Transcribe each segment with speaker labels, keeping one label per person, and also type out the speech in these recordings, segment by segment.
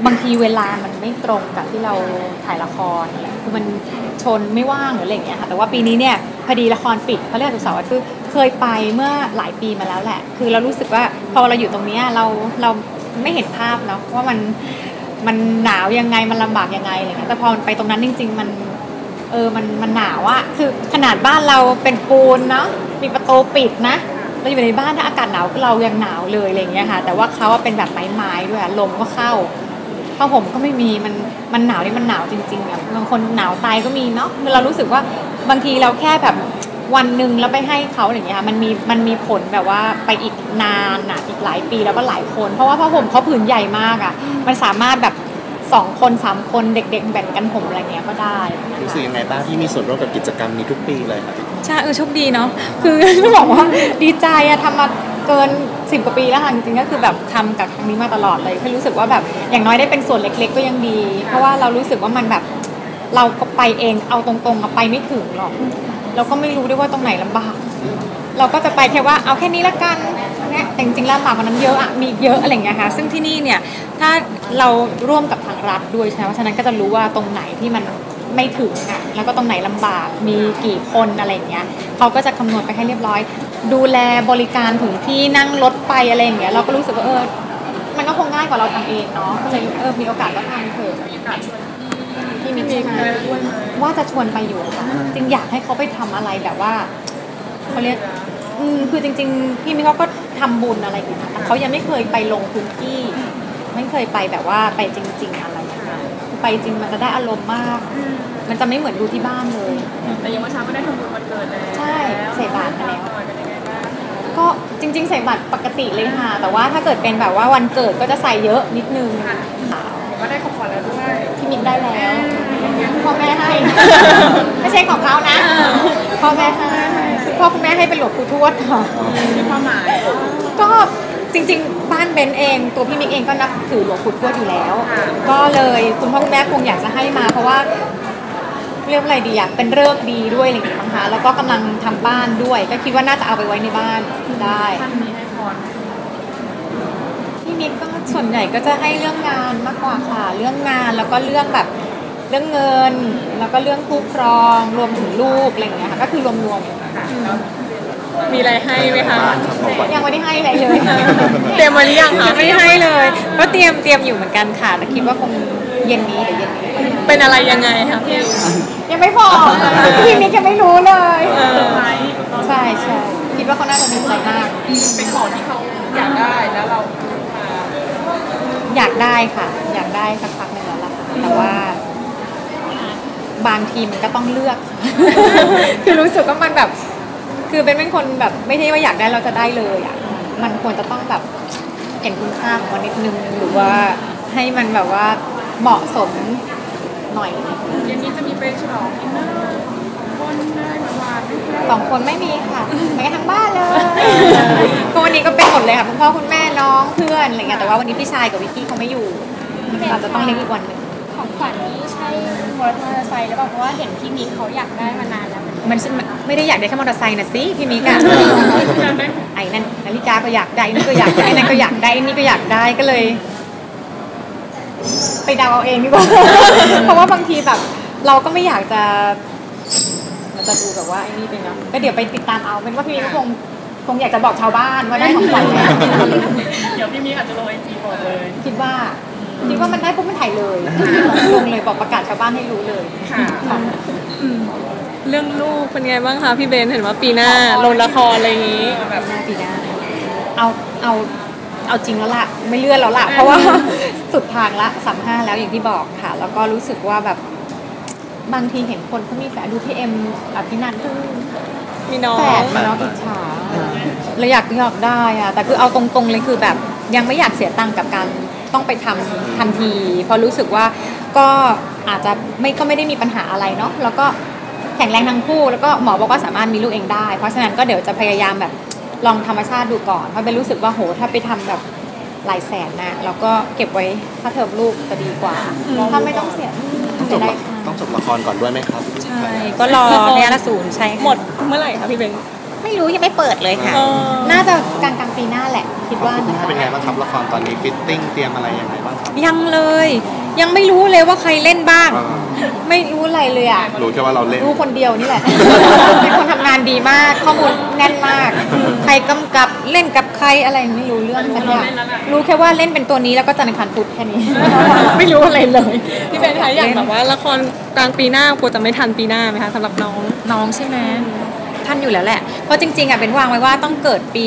Speaker 1: บางทีเวลามันไม่ตรงกับที่เราถ่ายละครอะไรคือมันชนไม่ว่างหรืออะไรอย่างเงี้ยค่ะแต่ว่าปีนี้เนี่ยพอดีละครปิดเขาเรียกศุกร์เสาร์อาทิตย์เคยไปเมื่อหลายปีมาแล้วแหละคือเรารู้สึกว่าพอเราอยู่ตรงนี้เราไม่เห็นภาพเนาะว่ามันหนาวยังไงมันลำบากยังไงอะไรเงี้ยแต่พอไปตรงนั้นจริงๆมันหนาวอะคือขนาดบ้านเราเป็นปูนเนาะมีประตูปิดนะเราอยู่ในบ้านถ้าอากาศหนาวเรายังหนาวเลยอะไรเงี้ยค่ะแต่ว่าเขาเป็นแบบไม้ๆด้วยลมก็เข้าผ้าห่มก็ไม่มีมันหนาวนี่มันหนาวจริงๆอ่ะบางคนหนาวตายก็มีเนาะเรารู้สึกว่าบางทีเราแค่แบบวันหนึ่งแล้วไปให้เขาอย่างเงี้ยมันมีผลแบบว่าไปอีกนานอ่ะอีกหลายปีแล้วก็หลายคนเพราะว่าผ้าห่มเขาผืนใหญ่มากอ่ะมันสามารถแบบ2 คน 3 คนเด็กๆแบ่งกันห่มอะไรเงี้ยก็ได้
Speaker 2: รู้สึกยังไงบ้างที่มีส่วนร่วมกับกิจกรรมนี้ทุกปีเลยครับ
Speaker 1: ใช่โชคดีเนาะคือต้องบอกว่าดีใจอะทำมาเกิน10 กว่าปีแล้วค่ะจริงๆก็คือแบบทำกับครั้งนี้มาตลอดเลยคือรู้สึกว่าแบบอย่างน้อยได้เป็นส่วนเล็กๆก็ยังดีเพราะว่าเรารู้สึกว่ามันแบบเราก็ไปเองเอาตรงๆไปไม่ถึงหรอกเราก็ไม่รู้ด้วยว่าตรงไหนลำบากเราก็จะไปแค่ว่าเอาแค่นี้ละกันเนี่ยแต่จริงๆลำบากกว่านั้นเยอะอะมีเยอะอะไรอย่างเงี้ยค่ะซึ่งที่นี่เนี่ยถ้าเราร่วมกับทางรัฐด้วยใช่ไหมเพราะฉะนั้นก็จะรู้ว่าตรงไหนที่มันไม่ถึงอ่ะแล้วก็ตรงไหนลำบากมีกี่คนอะไรอย่างเงี้ยเขาก็จะคำนวณไปให้เรียบร้อยดูแลบริการถึงที่นั่งรถไปอะไรอย่างเงี้ยเราก็รู้สึกว่ามันก็คงง่ายกว่าเราทำเองเนาะก็เลยมีโอกาสก็ทำเถอะมีโอกาสชวนพี่มีว่าจะชวนไปอยู่ค่ะจริงอยากให้เขาไปทำอะไรแบบว่าเขาเรียกคือจริงๆพี่มิ้งก็ทำบุญอะไรอยู่นะแต่เขายังไม่เคยไปลงพื้นที่ไม่เคยไปแบบว่าไปจริงๆอะไรไปจริงมันจะได้อารมณ์มากมันจะไม่เหมือนดูที่บ้านเลย
Speaker 3: แต่ยังเมื่อเช้าก็ได้ทำบุญวันเกิดแล้ว
Speaker 1: ใช่ใส่บาตรมาแล้วก็จริงๆใส่บาตรปกติเลยค่ะแต่ว่าถ้าเกิดเป็นแบบว่าวันเกิดก็จะใส่เยอะนิดนึง
Speaker 3: ก็ได้ของขวัญแล้วด้วย
Speaker 1: พี่มิ้งได้แล้วพ่อแม่ให้ไม่ใช่ของเขานะพ่อแม่ให้พ่อคุณแม่ให้เป็นหลวงปู่ทวดค่ะ
Speaker 3: มีความหมาย
Speaker 1: ก็จริงๆบ้านเบนเองตัวพี่มิกเองก็นับถือหลวงปู่ทวดอยู่แล้วก็เลยคุณพ่อคุณแม่คงอยากจะให้มาเพราะว่าเรียกอะไรดีอะเป็นฤกษ์ดีด้วยอะไรอย่างเงี้ยนะคะแล้วก็กำลังทำบ้านด้วยก็คิดว่าน่าจะเอาไปไว้ในบ้านได้
Speaker 3: ท่านมีให้พร
Speaker 1: พี่มิกก็ส่วนใหญ่ก็จะให้เรื่องงานมากกว่าค่ะเรื่องงานแล้วก็เรื่องแบบเรื่องเงินแล้วก็เรื่องคู่ครองรวมถึงลูกอะไรอย่างเงี้ยค่ะก็คือรวม
Speaker 3: มีอะไรให้ไหมคะ
Speaker 1: ยังไม่ได้ให้อะไรเลย
Speaker 3: เตรียมมาหรือยังคะ
Speaker 1: ไม่ให้เลยก็เตรียมอยู่เหมือนกันค่ะแต่คิดว่าคงเย็นนี้เดี๋ยวเย็นนี้
Speaker 3: เป็นอะไรยังไงคะพี่
Speaker 1: ยังไม่พอพี่มิกยังไม่รู้เลยใช่คิดว่าเขาน่าจะดีใจมาก
Speaker 3: เป็นของที่เขาอยากได้แล้วเรา
Speaker 1: อยากได้ค่ะอยากได้สักพักหนึ่งแล้วล่ะแต่ว่าบางทีมันก็ต้องเลือกคือรู้สึกว่ามันแบบคือเป็นคนแบบไม่ใช่ว่าอยากได้เราจะได้เลยอ่ะมันควรจะต้องแบบเห็นคุณค่าของมันนิดนึงหรือว่าให้มันแบบว่าเหมาะสมหน่อย
Speaker 3: เย็นนี้จะมีไปฉลองกินเนอร์คนได้ประมาณ
Speaker 1: 2 คนไม่มีค่ะไปกันทั้งบ้านเลยก็วันนี้ก็เป็นหมดเลยค่ะคุณพ่อคุณแม่น้องเพื่อนอะไรเงี้ยแต่ว่าวันนี้พี่ชายกับวิกกี้เขาไม่อยู่เราจะต้องเลี้ยงอีกวันหนึ่ง
Speaker 4: ของขวัญนี้ใช่มอเตอร์ไซค์หรือเปล่าเพราะว่าเห็นพี่มิกเขาอยากได้มานานแล้ว
Speaker 1: มันไม่ได้อยากได้แค่มอเตอร์ไซค์นะสิพี่มิกอะไอ้นั่นนาฬิกาก็อยากได้นี่ก็อยากได้นั่นก็อยากได้นี่ก็อยากได้ก็เลยไปเดาเอาเองดีกว่าเพราะว่าบางทีแบบเราก็ไม่อยากจะมันจะดูแบบว่าไอ้นี่เป็นเนาะก็เดี๋ยวไปติดตามเอาเป็นว่าพี่มิกคงอยากจะบอกชาวบ้านว่าได้ของขวัญแล้ว
Speaker 3: เดี๋ยวพี่มิกอาจจะลงIGบอกเลย
Speaker 1: คิดว่ามันได้ปุ๊บมันถ่ายเลยลงเลยบอกประกาศชาวบ้านให้รู้เลย
Speaker 3: ค่ะ
Speaker 1: เรื่องลูกเป็นไงบ้างคะพี่เบนเห็นว่าปีหน้าลงละครอะไรอย่างนี้แบบปีหน้าเอาจริงแล้วล่ะไม่เลื่อนแล้วล่ะเพราะว่าสุดทางละ35แล้วอย่างที่บอกค่ะแล้วก็รู้สึกว่าแบบบางทีเห็นคนเขามีแฝดดูพี่เอ็มพี่นันเพิ่งมีน้องแฝดน้องอิจฉาเราอยากได้อะแต่คือเอาตรงๆเลยคือแบบยังไม่อยากเสียตังค์กับการต้องไปทำทันทีเพราะรู้สึกว่าก็อาจจะก็ไม่ได้มีปัญหาอะไรเนาะแล้วก็แข็งแรงทั้งคู่แล้วก็หมอบอกว่าสามารถมีลูกเองได้เพราะฉะนั้นก็เดี๋ยวจะพยายามแบบลองธรรมชาติดูก่อนเพราะเป็นรู้สึกว่าโหถ้าไปทำแบบหลายแสนนะแล้วก็เก็บไว้ถ้าเทอมลูกจะดีกว่าถ้าไม่ต้องเสีย
Speaker 2: ต้องจบละครก่อนด้วยไหมครับ
Speaker 1: ใช่ก็รอในอศูนย์ใช่
Speaker 3: หมดเมื่อไหร่คะพี่เบน
Speaker 1: ไม่รู้ยังไม่เปิดเลยค่ะ น่าจะกลางปีหน้าแหละคิดว่า
Speaker 2: คุณ
Speaker 1: นะ
Speaker 2: แม่เป็นไงบ้างครับละครตอนนี้ฟิตติ้งเตรียมอะไรยังไงบ้างครับ
Speaker 1: ยังเลย ยังไม่รู้เลยว่าใครเล่นบ้าง
Speaker 2: อ่า
Speaker 1: ไม่รู้อะไรเลยอ่ะ
Speaker 2: รู้แค่ว่าเราเล่น
Speaker 1: รู้คนเดียวนี่แหละ เป็นคนทำงานดีมาก ข้อมูลแน่นมาก ใครกำกับเล่นกับใครอะไรไม่รู้เรื่องสักอย่างรู้แค่ว่าเล่นเป็นตัวนี้แล้วก็จันทร์อังคารพุธแค่นี้ ไม่รู้อะไรเลย
Speaker 3: พี่เบนคะอย่างแบบว่าละครกลางปีหน้ากลัวจะไม่ทันปีหน้าไหมคะสำหรับน้อง
Speaker 1: น้องใช่ไหมท่านอยู่แล้วแหละ เพราะจริงๆอ่ะเป็นวางไว้ว่าต้องเกิดปี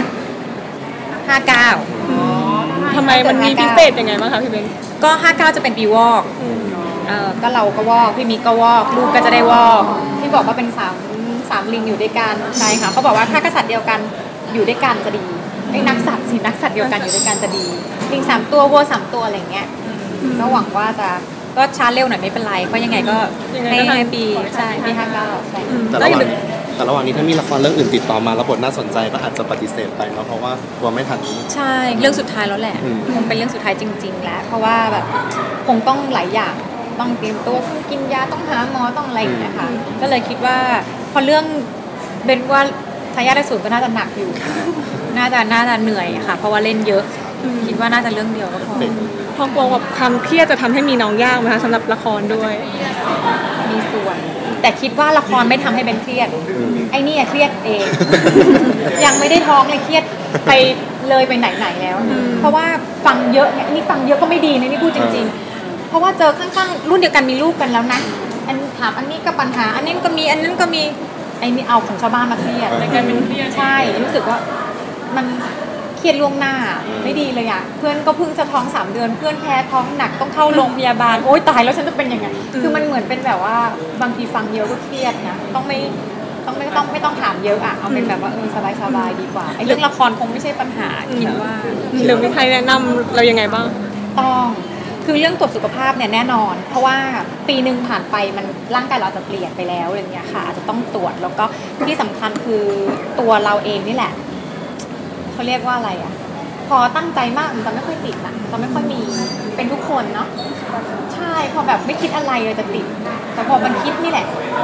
Speaker 1: 59
Speaker 3: ทำไมมันมีพิเศษยังไงบ้างคะพี่เบน
Speaker 1: ก็59จะเป็นปีวอกก็เราก็วอกพี่มิกก็วอกลูกก็จะได้วอกที่บอกว่าเป็นสามลิงอยู่ด้วยกันใช่ค่ะเขาบอกว่าถ้ากษัตริย์เดียวกันอยู่ด้วยกันจะดีไอ้นักสัตว์สินักสัตว์เดียวกันอยู่ด้วยกันจะดีลิง3 ตัววัว3 ตัวอะไรเงี้ยก็หวังว่าจะก็ช้าเร็วหน่อยไม่เป็นไรเพราะยังไงก็ให้ปีใช่ปี59ใช่
Speaker 2: แต่ระหว่างนี้ถ้ามีละครเรื่องอื่นติดต่อมาแล้วบทน่าสนใจก็อาจจะปฏิเสธไปเนาะเพราะว่ากลัวไม่ทัน
Speaker 1: ใช่เรื่องสุดท้ายแล้วแหละคงเป็นเรื่องสุดท้ายจริงๆแล้วเพราะว่าแบบคงต้องหลายอย่างต้องเตรียมตัวต้องกินยาต้องหาหมอต้องอะไรอย่างเงี้ยค่ะก็เลยคิดว่าพอเรื่องเป็นว่าทายาทได้สูตรก็น่าจะหนักอยู่ น่าจะเหนื่อยค่ะเพราะว่าเล่นเยอะคิดว่าน่าจะเรื่องเดียวก็พอ
Speaker 3: พอกลัวแบบความเครียดจะทำให้มีน้องยากไหมคะสำหรับละครด้วย
Speaker 1: มีส่วนแต่คิดว่าละครไม่ทำให้เป็นเครียดไอ้นี่เครียดเอง ยังไม่ได้ท้องเลยเครียดไปเลยไปไหนแล้วเพราะว่าฟังเยอะเนี่ยนี่ฟังเยอะก็ไม่ดีนะนี่พูดจริงๆเพราะว่าเจอข้างๆรุ่นเดียวกันมีลูกกันแล้วนะอันถามอันนี้ก็ปัญหาอันนี้ก็มีอันนั้นก็มีไอ้นี่เอาของชาวบ้านมาเครียดกลายเป็นเครียดใช่รู้สึกว่ามันเครียดล่วงหน้าไม่ดีเลยอ่ะเพื่อนก็เพิ่งจะท้อง3 เดือนเพื่อนแพ้ท้องหนักต้องเข้าโรงพยาบาลโอ๊ยตายแล้วฉันจะเป็นยังไงคือมันเหมือนเป็นแบบว่าบางทีฟังเยอะก็เครียดนะไม่ต้องถามเยอะอ่ะเอาเป็นแบบว่าสบายดีกว่าไอ้เรื่องละครคงไม่ใช่ปัญหาคิดว่า
Speaker 3: หรือมีใครแนะนำเรายังไงบ้าง
Speaker 1: ต้องคือเรื่องตรวจสุขภาพเนี่ยแน่นอน เพราะว่าปีหนึ่งผ่านไปมันร่างกายเราอาจจะเปลี่ยนไปแล้วอะไรเงี้ยค่ะอาจจะต้องตรวจแล้วก็ที่สำคัญคือตัวเราเองนี่แหละเขาเรียกว่าอะไรอ่ะพอตั้งใจมากมันจะไม่ค่อยติดนะจะไม่ค่อยมีเป็นทุกคนเนาะใช่พอแบบไม่คิดอะไรเลยจะติดแต่พอมันคิดนี่แหละ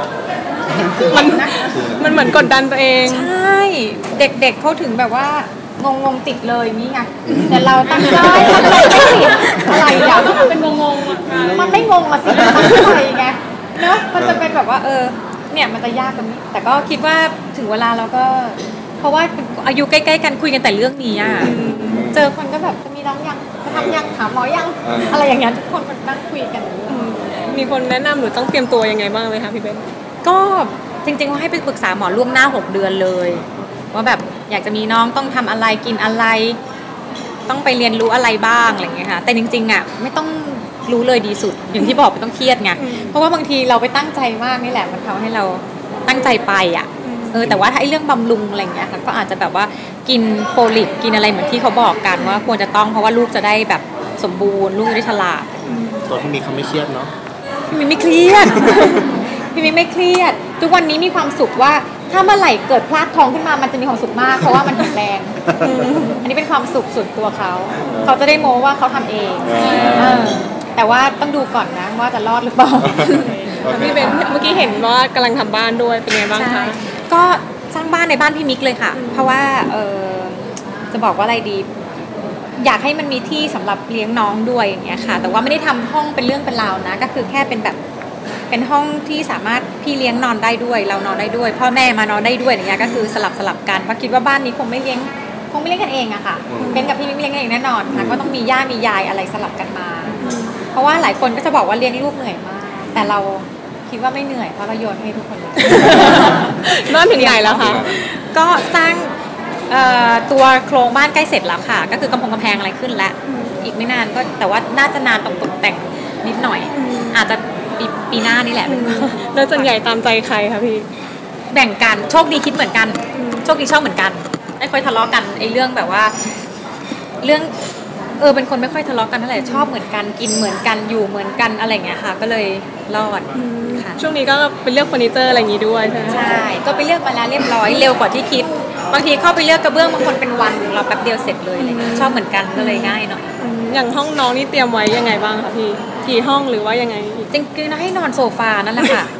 Speaker 3: มันเหมือนกดดันตัวเอง
Speaker 1: ใช่เด็กๆเขาถึงแบบว่างงติดเลยนี่ไงแต่เราตั้งใจไม่ติดอะไรอย่างมันเป็นงงมันไม่งงมาสิมันอะไรไงเนาะมันจะเป็นแบบว่าเนี่ยมันจะยากตรงนี้แต่ก็คิดว่าถึงเวลาเราก็เพราะว่าอายุใกล้ๆกันคุยกันแต่เรื่องนี้อ่ะเจอคนก็แบบจะมีน้องยังจะทำยังหาหมอยังอะไรอย่างเงี้ยทุกคนมันนั่งคุยกัน
Speaker 3: มีคนแนะนำหรือต้องเตรียมตัวยังไงบ้างไหมคะพี่เบน
Speaker 1: ก็จริงๆว่าให้ไปปรึกษาหมอล่วงหน้า6 เดือนเลยว่าแบบอยากจะมีน้องต้องทำอะไรกินอะไรต้องไปเรียนรู้อะไรบ้างอะไรเงี้ยค่ะแต่จริงๆอ่ะไม่ต้องรู้เลยดีสุดอย่างที่บอกไม่ต้องเครียดไงเพราะว่าบางทีเราไปตั้งใจมากนี่แหละมันทำให้เราตั้งใจไปอ่ะแต่ว่าถ้าไอ้เรื่องบำรุงอะไรเงี้ยค่ะก็อาจจะแบบว่ากินโฟลิกกินอะไรเหมือนที่เขาบอกกันว่าควรจะต้องเพราะว่าลูกจะได้แบบสมบูรณ์ลูกจะได้ฉลาด
Speaker 2: ตัวที่มีเขาไม่เครียดเนาะ
Speaker 1: พี่มิไม่เครียด พี่มิไม่เครียดทุกวันนี้มีความสุขว่าถ้าเมื่อไหร่เกิดพลาดท้องขึ้นมามันจะมีความสุขมากเพราะว่ามันแข็งแรงอันนี้เป็นความสุขส่วนตัวเขาจะได้โม้ว่าเขาทำเองแต่ว่าต้องดูก่อนนะว่าจะรอดหรือเปล่า
Speaker 3: พี่เบนเมื่อกี้เห็นว่ากำลังทำบ้านด้วยเป็นไงบ้างคะ
Speaker 1: ก็สร้างบ้านในบ้านพี่มิกเลยค่ะเพราะว่าจะบอกว่าอะไรดีอยากให้มันมีที่สำหรับเลี้ยงน้องด้วยอย่างเงี้ยค่ะแต่ว่าไม่ได้ทำห้องเป็นเรื่องเป็นราวนะก็คือแค่เป็นแบบเป็นห้องที่สามารถพี่เลี้ยงนอนได้ด้วยเรานอนได้ด้วยพ่อแม่มานอนได้ด้วยอย่างเงี้ยก็คือสลับกันเพราะคิดว่าบ้านนี้คงไม่เลี้ยงกันเองอะค่ะเป็นกับพี่มิกไม่เลี้ยงกันเองแน่นอนค่ะก็ต้องมีย่ามียายอะไรสลับกันมาเพราะว่าหลายคนก็จะบอกว่าเลี้ยงลูกเหนื่อยมากแต่เราคิดว่าไม่เหนื่อยเพราะเราโยนให้ทุกคนเลย
Speaker 3: บ้านถึงไหนแล้วคะ
Speaker 1: ก็สร้างตัวโครงบ้านใกล้เสร็จแล้วค่ะก็คือกำแพงอะไรขึ้นแล้วอีกไม่นานก็แต่ว่าน่าจะนานตกแต่งนิดหน่อยอาจจะปีหน้านี่แหละ
Speaker 3: แล้วส่วนใหญ่ตามใจใครคะพี่
Speaker 1: แบ่งกันโชคดีคิดเหมือนกันโชคดีชอบเหมือนกันไม่ค่อยทะเลาะกันไอ้เรื่องแบบว่าเรื่องเป็นคนไม่ค่อยทะเลาะกันเท่าไหร่ชอบเหมือนกันกินเหมือนกันอยู่เหมือนกันอะไรอย่างเงี้ยค่ะก็เลยรอดค่ะ
Speaker 3: ช่วงนี้ก็ไปเลือกเฟอร์นิเจอร์อะไรอย่างงี้ด้วยใช่ไหม
Speaker 1: ใช่ก็ไปเลือกมาแล้วเรียบร้อยเร็วกว่าที่คิดบางทีเข้าไปเลือกกระเบื้องบางคนเป็นวันเราแป๊บเดียวเสร็จเลยอะไรเงี้ยชอบเหมือนกันก็เลยง่ายหน่อย
Speaker 3: อย่างห้องน้องนี่เตรียมไว้ยังไงบ้างคะพี่กี่ห้องหรือว่ายังไง
Speaker 1: จริงๆนะให้นอนโซฟานั่นแหละค่ะ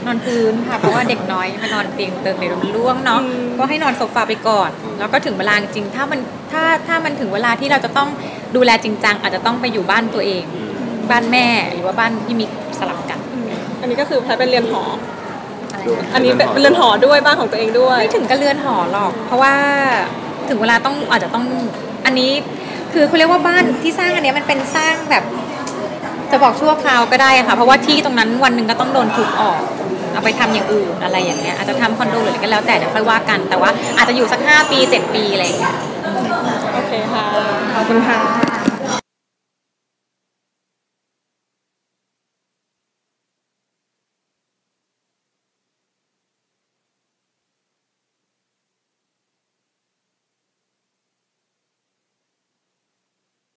Speaker 1: นอนพื้นค่ะเพราะว่าเด็กน้อยมานอนเตียงเติมเดี๋ยวมันร่วงเนาะก็ให้นอนโซฟาไปก่อนแล้วก็ถึงเวลาจริงๆถ้ามันถึงเวลาที่เราจะต้องดูแลจริงจังอาจจะต้องไปอยู่บ้านตัวเองบ้านแม่หรือว่าบ้านที่มีสลับกัน
Speaker 3: อันนี้ก็คือแพทเป็นเรือนหอ
Speaker 1: อะไร
Speaker 3: อันนี้เป็นเรือนหอด้วยบ้านของตัวเองด้วย
Speaker 1: ไม่ถึงกับเรือนหอหรอก เพราะว่าถึงเวลาอาจจะต้องอันนี้คือเขาเรียกว่าบ้านที่สร้างอันเนี้ยมันเป็นสร้างแบบจะบอกชั่วคราวก็ได้ค่ะเพราะว่าที่ตรงนั้นวันหนึ่งก็ต้องโดนถูกออกเอาไปทำอย่างอื่นอะไรอย่างเงี้ยอาจจะทำคอนโดหรืออะไรก็แล้วแต่เดี๋ยวค่อยว่ากันแต่ว่าอาจจะอยู่สัก5 ปี 7 ปีอะไรอย่างเงี้ย
Speaker 3: โอเคค่ะ ขอบคุณค่ะ